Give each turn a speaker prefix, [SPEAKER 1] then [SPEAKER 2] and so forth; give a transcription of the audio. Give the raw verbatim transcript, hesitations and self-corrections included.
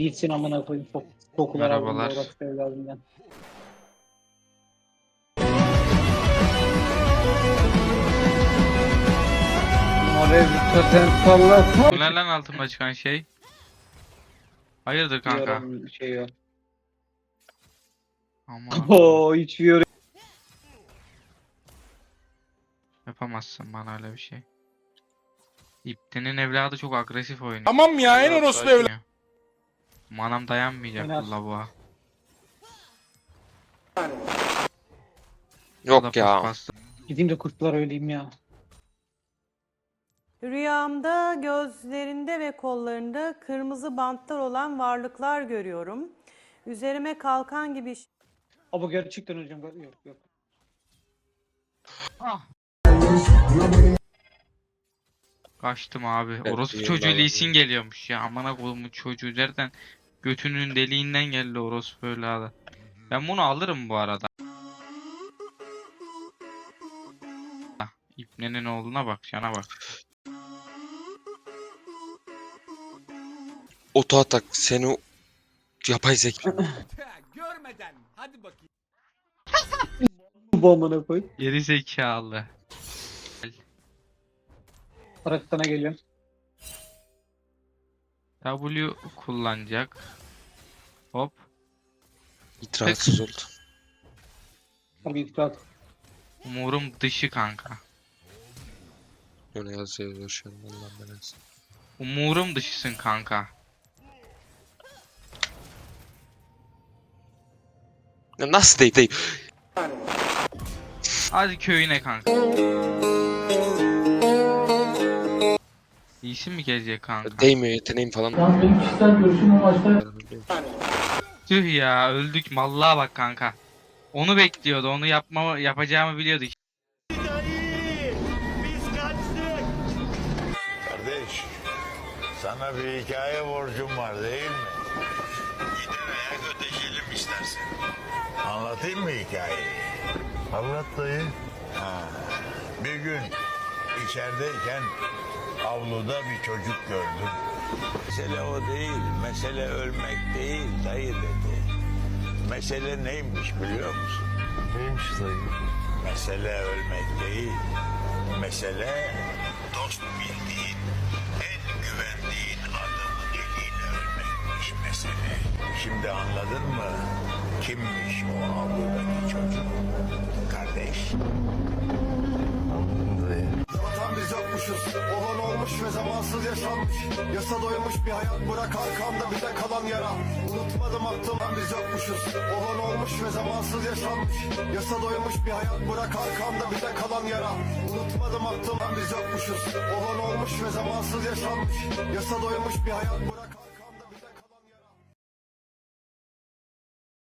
[SPEAKER 1] Gitsin amına koyayım. Çok kokular aldım da
[SPEAKER 2] Merhabalar.
[SPEAKER 1] orası evladından. Oraya bir totem sallasın.
[SPEAKER 2] Bu ne lan altıma çıkan şey? Hayırdır kanka?
[SPEAKER 1] Diyorum şey yok.
[SPEAKER 2] Aman
[SPEAKER 1] Oo hiç yorum.
[SPEAKER 2] yapamazsın bana öyle bir şey. İptenin evladı çok agresif oynuyor.
[SPEAKER 3] Tamam ya en orospu evladı.
[SPEAKER 2] Ya. Manam dayanmayacak
[SPEAKER 1] Oynar.
[SPEAKER 2] bu lavuğa.
[SPEAKER 4] Yok
[SPEAKER 2] O da
[SPEAKER 4] ya.
[SPEAKER 2] paspaslı.
[SPEAKER 1] Gideyim de kurtlar öleyim ya.
[SPEAKER 5] Rüyamda gözlerinde ve kollarında kırmızı bantlar olan varlıklar görüyorum. Üzerime kalkan gibi
[SPEAKER 1] Ama gerçekten hocam yok yok.
[SPEAKER 2] Ah. Kaçtım abi.
[SPEAKER 4] Evet,
[SPEAKER 2] Orospu
[SPEAKER 4] iyi
[SPEAKER 2] çocuğu
[SPEAKER 4] vallahi.
[SPEAKER 2] Lee Sin geliyormuş ya. Amına koyduğumun çocuğu nereden? Götünün deliğinden geldi orospu evladı. Ben bunu alırım bu arada. İbnenin oğluna bak, cana bak.
[SPEAKER 4] Oto atak seni o- yapay zeka.
[SPEAKER 3] Görmeden hadi bakayım.
[SPEAKER 1] Bu amına koy.
[SPEAKER 2] Geri zekalı.
[SPEAKER 1] Bırak sana geliyorum.
[SPEAKER 2] W kullanacak. Hop.
[SPEAKER 4] İtiratsız oldu.
[SPEAKER 1] Abi ifrat.
[SPEAKER 2] Umurum dışı kanka.
[SPEAKER 4] Öyle yazıyor şu an Allah'ım belası.
[SPEAKER 2] Umurum dışısın kanka.
[SPEAKER 4] Ya nasıl değil değil.
[SPEAKER 2] Hadi köyüne kanka. İyisin mi gelecek kanka?
[SPEAKER 4] Değmiyor yeteneğim falan.
[SPEAKER 1] Tamam benim kişisel görüşüm o maçta.
[SPEAKER 2] Tüh ya öldük mallığa bak kanka. Onu bekliyordu, onu yapma yapacağımı biliyordu.
[SPEAKER 6] Kardeş, sana bir hikaye borcum var değil mi? Gidin ayak ödeşelim istersen. Anlatayım mı hikayeyi? Anlat dayı. Ha, bir gün içerideyken avluda bir çocuk gördüm. Mesele o değil, mesele ölmek değil dayı dedi. Mesele neymiş biliyor musun? Neymiş dayı? Mesele ölmek değil, mesele dost bildiğin, en güvendiğin adamın eliyle ölmekmiş mesele. Şimdi anladın mı? Kimmiş o avludaki çocuk? Kardeş.
[SPEAKER 7] Vatan biz yokmuşuz, olan olmuş ve zamansız yaşanmış. Yasa doymuş bir hayat bırak arkamda bize kalan yara. Unutmadım aklımdan biz yokmuşuz, olan olmuş ve zamansız yaşanmış. Yasa doymuş bir hayat bırak arkamda bize kalan yara. Unutmadım aklımdan biz yokmuşuz, olan olmuş ve zamansız yaşanmış. Yasa doymuş bir hayat bırak